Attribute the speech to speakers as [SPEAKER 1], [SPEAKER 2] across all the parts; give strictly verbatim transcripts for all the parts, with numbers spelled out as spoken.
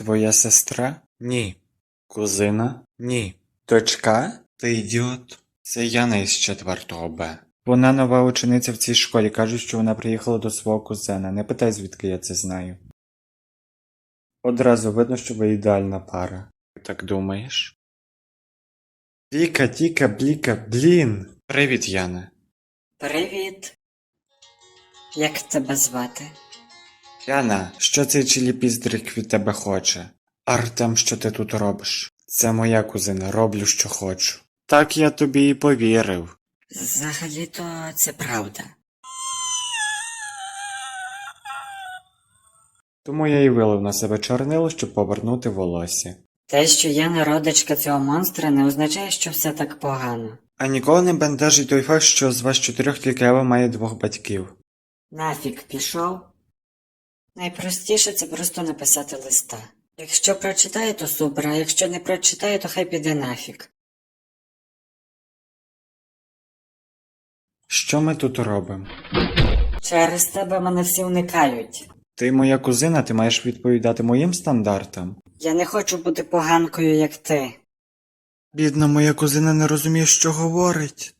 [SPEAKER 1] Твоя сестра? Ні. Кузина? Ні. Дочка? Ти ідіот. Це Яна із четвертого Б. Вона нова учениця в цій школі. Кажуть, що вона приїхала до свого кузена. Не питай, звідки я це знаю. Одразу видно, що ви ідеальна пара. Ти так думаєш? Віка, Тіка, Бліка, блін! Привіт, Яна.
[SPEAKER 2] Привіт. Як тебе звати?
[SPEAKER 1] Яна, що цей чиліпіздрик від тебе хоче? Артем, що ти тут робиш? Це моя кузина, роблю, що хочу. Так я тобі і повірив.
[SPEAKER 2] Взагалі-то це правда.
[SPEAKER 1] Тому я і вилив на себе чорнило, щоб повернути волосся.
[SPEAKER 2] Те, що я не родичка цього монстра, не означає, що все так погано.
[SPEAKER 1] А ніколи не бентежить той факт, що з вас чотирьох тільки Ева має двох батьків.
[SPEAKER 2] Нафік пішов? Найпростіше це просто написати листа. Якщо прочитає, то супер, а якщо не прочитає, то хай піде нафік.
[SPEAKER 1] Що ми тут робимо?
[SPEAKER 2] Через тебе мене всі уникають.
[SPEAKER 1] Ти моя кузина, ти маєш відповідати моїм стандартам.
[SPEAKER 2] Я не хочу бути поганкою, як ти.
[SPEAKER 1] Бідна моя кузина не розуміє, що говорить.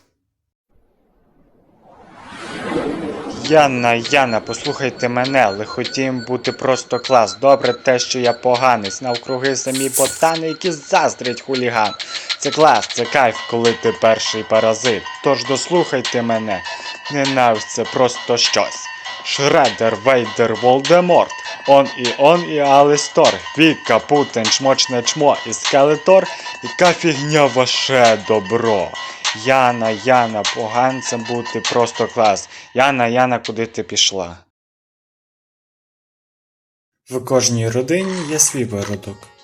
[SPEAKER 1] Яна, Яна, послухайте мене, лихотім бути просто клас. Добре те, що я поганець, навкруги самі ботани, які заздрять хуліган. Це клас, це кайф, коли ти перший паразит. Тож дослухайте мене, ненависть це просто щось. Шредер, Вейдер, Волдеморт, он і он і Алистор, Віка, Путин, Чмочне чмо і Скелетор, яка фігня ваше добро. Яна, Яна, поганцем бути просто клас. Яна, Яна, куди ти пішла? В кожній родині є свій виродок.